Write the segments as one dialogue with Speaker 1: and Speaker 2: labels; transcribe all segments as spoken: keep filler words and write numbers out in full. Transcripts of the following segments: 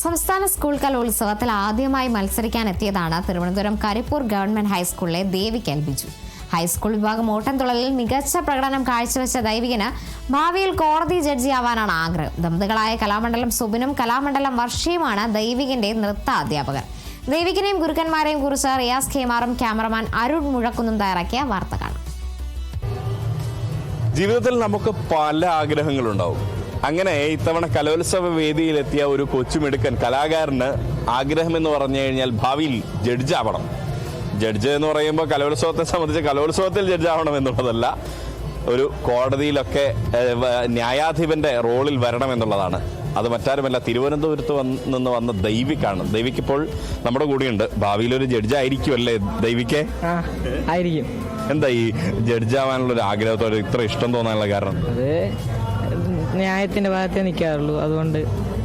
Speaker 1: സംസ്ഥാന സ്കൂൾ കലോത്സവത്തിൽ ആദ്യമായി മത്സരിക്കാനെത്തിയതാണ് തിരുവനന്തപുരം കരിപ്പൂർ ഗവൺമെന്റ് ഹൈസ്കൂളിലെ ദേവിക എൽ ബിജു. ഹൈസ്കൂൾ വിഭാഗം ഓട്ടംതുള്ളലിൽ മികച്ച പ്രകടനം കാഴ്ചവെച്ച ദൈവികന് ഭാവിയിൽ കോടതി ജഡ്ജിയാവാനാണ് ആഗ്രഹം. ദമ്പതികളായ കലാമണ്ഡലം സുബിനും കലാമണ്ഡലം വർഷയുമാണ് ദൈവികന്റെ നൃത്ത അധ്യാപകർ. ദൈവികനെയും ഗുരുക്കന്മാരെയും കുറിച്ച് റിയാസ് ഖേമാറും ക്യാമറമാൻ അരുൺ മുഴക്കുന്നും തയ്യാറാക്കിയ വാർത്ത കാണാം.
Speaker 2: ജീവിതത്തിൽ നമുക്ക് പല ആഗ്രഹങ്ങളുണ്ടാവും. അങ്ങനെ ഇത്തവണ കലോത്സവ വേദിയിലെത്തിയ ഒരു കൊച്ചുമിടുക്കൻ കലാകാരന് ആഗ്രഹം എന്ന് പറഞ്ഞു കഴിഞ്ഞാൽ ഭാവിയിൽ ജഡ്ജാവണം. ജഡ്ജ് എന്ന് പറയുമ്പോൾ കലോത്സവത്തെ സംബന്ധിച്ച് കലോത്സവത്തിൽ ജഡ്ജാവണം എന്നുള്ളതല്ല, ഒരു കോടതിയിലൊക്കെ ന്യായാധിപന്റെ റോളിൽ വരണം എന്നുള്ളതാണ്. അത് മറ്റാരുമല്ല, തിരുവനന്തപുരത്ത് നിന്ന് വന്ന ദൈവിക്കാണ്. ദൈവിക്കിപ്പോൾ നമ്മുടെ കൂടെയുണ്ട്. ഭാവിയിൽ ഒരു ജഡ്ജ് ആയിരിക്കുമല്ലേ ദൈവിക്കെ?
Speaker 3: ആയിരിക്കും.
Speaker 2: എന്താ ഈ ജഡ്ജാവാനുള്ള ഒരു ആഗ്രഹത്തോടെ ഇത്ര ഇഷ്ടം തോന്നാനുള്ള കാരണം?
Speaker 3: അത് ന്യായത്തിന്റെ ഭാഗത്തേ നിൽക്കാറുള്ളൂ, അതുകൊണ്ട്.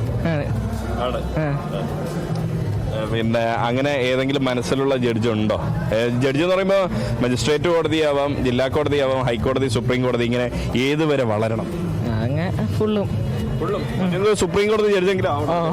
Speaker 2: പിന്നെ അങ്ങനെ ഏതെങ്കിലും മനസ്സിലുള്ള ജഡ്ജ് ഉണ്ടോ? ജഡ്ജ് എന്ന് പറയുമ്പോൾ മജിസ്ട്രേറ്റ് കോടതിയാവാം, ജില്ലാ കോടതിയാവാം, ഹൈക്കോടതി, സുപ്രീം കോടതി, ഇങ്ങനെ ഏതുവരെ വളരണം?
Speaker 3: അങ്ങനെ ഫുള്ളും
Speaker 2: സുപ്രീം കോടതി ജഡ്ജെങ്കിലും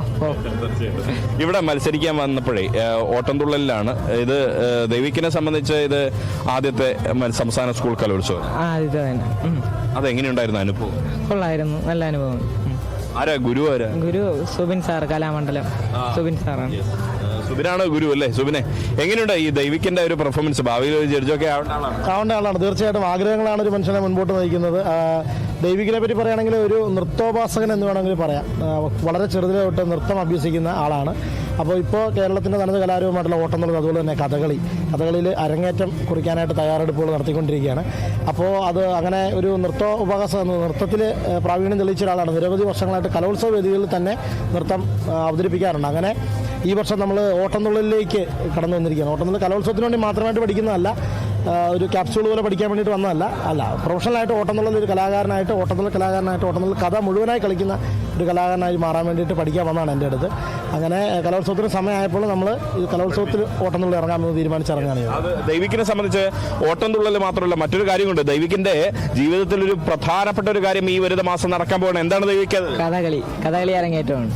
Speaker 2: ഇവിടെ മത്സരിക്കാൻ വന്നപ്പോഴേ ഓട്ടംതുള്ളലിലാണ്. ഇത് ദൈവിക്കിനെ സംബന്ധിച്ച് ഇത് ആദ്യത്തെ സംസ്ഥാന സ്കൂൾ കലോത്സവം. അതെങ്ങനെയുണ്ടായിരുന്നു അനുഭവം?
Speaker 3: കൊള്ളായിരുന്നു, നല്ല അനുഭവം.
Speaker 2: ആരാ ഗുരു? ആരാ
Speaker 3: ഗുരു? സുബിൻ സാർ, കലാമണ്ഡലം സുബിൻ സാറാണ്.
Speaker 2: സുബിനാണ് ഗുരു അല്ലേ? സുബിനെ, എങ്ങനെയുണ്ട് ഈ ദൈവിക്കിന്റെ ഒരു പെർഫോമൻസ്? ഭാവിയിൽ ഒരു ജഡ്ജൊക്കെ
Speaker 4: ആവേണ്ട ആളാണ്. തീർച്ചയായിട്ടും ആഗ്രഹങ്ങളാണ് ഒരു മനുഷ്യനെ മുൻപോട്ട് നയിക്കുന്നത്. ദൈവികിനെ പറ്റി പറയുകയാണെങ്കിൽ ഒരു നൃത്തോപാസകൻ എന്ന് വേണമെങ്കിൽ പറയാം. വളരെ ചെറുതിലെ തൊട്ട് നൃത്തം അഭ്യസിക്കുന്ന ആളാണ്. അപ്പോൾ ഇപ്പോൾ കേരളത്തിൻ്റെ തനത് കലാരൂപമായിട്ടുള്ള ഓട്ടംതുള്ളൽ, അതുപോലെ തന്നെ കഥകളി കഥകളിയിൽ അരങ്ങേറ്റം കുറിക്കാനായിട്ട് തയ്യാറെടുപ്പുകൾ നടത്തിക്കൊണ്ടിരിക്കുകയാണ്. അപ്പോൾ അത് അങ്ങനെ ഒരു നൃത്തോപാസക നൃത്തത്തിൽ പ്രാവീണ്യം തെളിയിച്ച ഒരാളാണ്. നിരവധി വർഷങ്ങളായിട്ട് കലോത്സവ വേദികളിൽ തന്നെ നൃത്തം അവതരിപ്പിക്കാറുണ്ട്. അങ്ങനെ ഈ വർഷം നമ്മൾ ഓട്ടംതുള്ളലിലേക്ക് കടന്നു വന്നിരിക്കുകയാണ്. ഓട്ടംതുള്ളൽ കലോത്സവത്തിന് വേണ്ടി മാത്രമായിട്ട് പഠിക്കുന്നതല്ല, ഒരു ക്യാപ്സ്യൂൾ പോലെ പഠിക്കാൻ വേണ്ടിയിട്ട് വന്നതല്ല. അല്ല, പ്രൊഫഷണലായിട്ട് ഓട്ടംതുള്ളൽ ഒരു കലാകാരനായിട്ട് ഓട്ടംതുള്ളൽ കലാകാരനായിട്ട് ഓട്ടംതുള്ളൽ കഥ മുഴുവനായി കളിക്കുന്ന ഒരു കലാകാരനായി മാറാൻ വേണ്ടിയിട്ട് പഠിക്കാൻ വന്നതാണ് എൻ്റെ അടുത്ത്. അങ്ങനെ കലോത്സവത്തിന് സമയമായപ്പോൾ നമ്മൾ ഈ കലോത്സവത്തിൽ ഓട്ടംതുള്ളൽ ഇറങ്ങാമെന്ന് തീരുമാനിച്ചിറങ്ങുകയാണ്.
Speaker 2: അത് ദൈവിക്കിനെ സംബന്ധിച്ച് ഓട്ടംതുള്ളൽ മാത്രമല്ല, മറ്റൊരു കാര്യമുണ്ട്. ദൈവിക്കിന്റെ ജീവിതത്തിൽ ഒരു പ്രധാനപ്പെട്ട ഒരു കാര്യം ഈ വരുന്ന മാസം നടക്കാൻ പോകണം. എന്താണ് ദൈവിക്ക്?
Speaker 3: കഥകളി. കഥകളി അരങ്ങേറ്റമാണ്.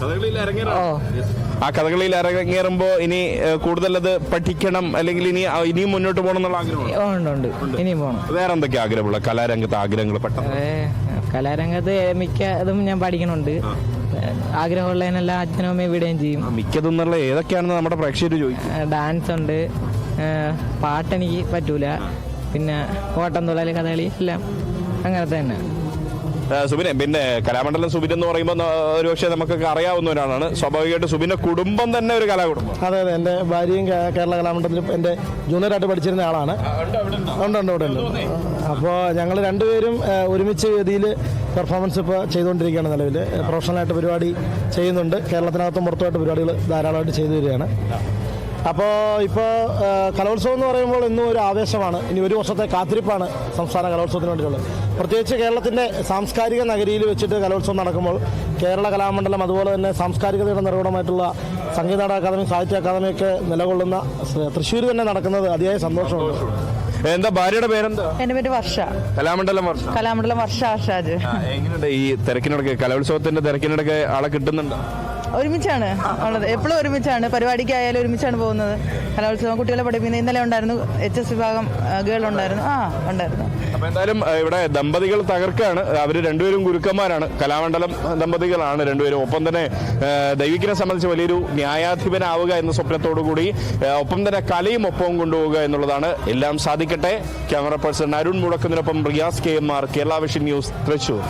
Speaker 2: ആ കഥകളിയിൽ ഇറങ്ങേറുമ്പോൾ ഇനി കൂടുതൽ അത് പഠിക്കണം, അല്ലെങ്കിൽ ഇനി ഇനിയും മുന്നോട്ട് പോകണം എന്നുള്ള ആഗ്രഹം?
Speaker 3: ഉണ്ട്, ഇനിയും പോകണം.
Speaker 2: വേറെ എന്തൊക്കെ ആഗ്രഹമുള്ള കലാരംഗത്ത് ആഗ്രഹങ്ങൾ? പെട്ടെന്ന്
Speaker 3: കലാരംഗത്ത് മിക്കതും ഞാൻ പഠിക്കണുണ്ട്. ആഗ്രഹമുള്ളതിനെല്ലാം അച്ഛനും അമ്മയും വിടുകയും ചെയ്യും.
Speaker 2: മിക്കതെന്നുള്ള ഏതൊക്കെയാണെന്ന് നമ്മുടെ പ്രേക്ഷകർ ചോദിക്കും.
Speaker 3: ഡാൻസ് ഉണ്ട്, പാട്ടെനിക്ക് പറ്റൂല, പിന്നെ ഓട്ടംതുള്ളൽ, കഥകളി എല്ലാം അങ്ങനെ തന്നെ.
Speaker 2: സുബിനെ, പിന്നെ കലാമണ്ഡലം സുബിൻ എന്ന് പറയുമ്പോൾ ഒരുപക്ഷെ നമുക്കൊക്കെ അറിയാവുന്ന ഒരാളാണ്. സ്വാഭാവികമായിട്ട് സുബിന്റെ കുടുംബം തന്നെ ഒരു കലാകുടുംബം.
Speaker 4: അതെ അതെ, എൻ്റെ ഭാര്യയും കേരള കലാമണ്ഡലത്തിൽ എൻ്റെ ജൂനിയറായിട്ട് പഠിച്ചിരുന്ന ആളാണ്. ഉണ്ട് ഉണ്ട് ഇവിടെ ഉണ്ട്. അപ്പോൾ ഞങ്ങൾ രണ്ടുപേരും ഒരുമിച്ച് വേദിയിൽ പെർഫോമൻസ് ഇപ്പോൾ ചെയ്തുകൊണ്ടിരിക്കുകയാണ്. നിലവിൽ പ്രൊഫഷണലായിട്ട് പരിപാടി ചെയ്യുന്നുണ്ട്. കേരളത്തിനകത്തും പുറത്തുമായിട്ട് പരിപാടികൾ ധാരാളമായിട്ട് ചെയ്തു വരികയാണ്. അപ്പോൾ ഇപ്പോൾ കലോത്സവം എന്ന് പറയുമ്പോൾ ഇന്നും ഒരു ആവേശമാണ്. ഇനി ഒരു വർഷത്തെ കാത്തിരിപ്പാണ് സംസ്ഥാന കലോത്സവത്തിന് വേണ്ടിയിട്ടുള്ളത്. പ്രത്യേകിച്ച് കേരളത്തിൻ്റെ സാംസ്കാരിക നഗരിയിൽ വെച്ചിട്ട് കലോത്സവം നടക്കുമ്പോൾ കേരള കലാമണ്ഡലം, അതുപോലെ തന്നെ സാംസ്കാരികതയുടെ നിർവ്വഹണമായിട്ടുള്ള സംഗീത നാടക അക്കാദമി, സാഹിത്യ അക്കാദമിയൊക്കെ നിലകൊള്ളുന്ന തൃശ്ശൂർ തന്നെ നടക്കുന്നത് അതിയായ സന്തോഷമുണ്ട്.
Speaker 2: എന്താ ഭാര്യയുടെ പേരെന്താ?
Speaker 5: എന്റെ പേര് വർഷ.
Speaker 2: കലാമണ്ഡലം വർഷ.
Speaker 5: കലാമണ്ഡലം വർഷ ആഷാജ്.
Speaker 2: എങ്ങനെയുണ്ട് ഈ തിരക്കിനിടയ്ക്ക്, കലോത്സവത്തിന്റെ തിരക്കിനിടയ്ക്ക് ആളെ കിട്ടുന്നുണ്ടോ?
Speaker 5: ഒരുമിച്ചാണ് ഉള്ളത്, എപ്പോഴും ഒരുമിച്ചാണ്. പരിപാടിക്കായാലും ഒരുമിച്ചാണ് പോകുന്നത്. കലോത്സവം കുട്ടികളെ പഠിപ്പിക്കുന്നത്. ഇന്നലെ ഉണ്ടായിരുന്നു എച്ച് എസ് വിഭാഗം ഗേൾ ഉണ്ടായിരുന്നു. ആ ഉണ്ടായിരുന്നു.
Speaker 2: അപ്പൊ എന്തായാലും ഇവിടെ ദമ്പതികൾ തകർക്കാണ്. അവര് രണ്ടുപേരും ഗുരുക്കന്മാരാണ്, കലാമണ്ഡലം ദമ്പതികളാണ് രണ്ടുപേരും. ഒപ്പം തന്നെ ദൈവിക്കിനെ സംബന്ധിച്ച് വലിയൊരു ന്യായാധിപനാവുക എന്ന സ്വപ്നത്തോടു കൂടി ഒപ്പം തന്നെ കലയും ഒപ്പവും കൊണ്ടുപോവുക എന്നുള്ളതാണ്. എല്ലാം സാധിക്കട്ടെ. ക്യാമറ പേഴ്സൺ അരുൺ മുഴക്കുന്നതിനൊപ്പം Riyas K M R, Kerala vision news, Thrissur.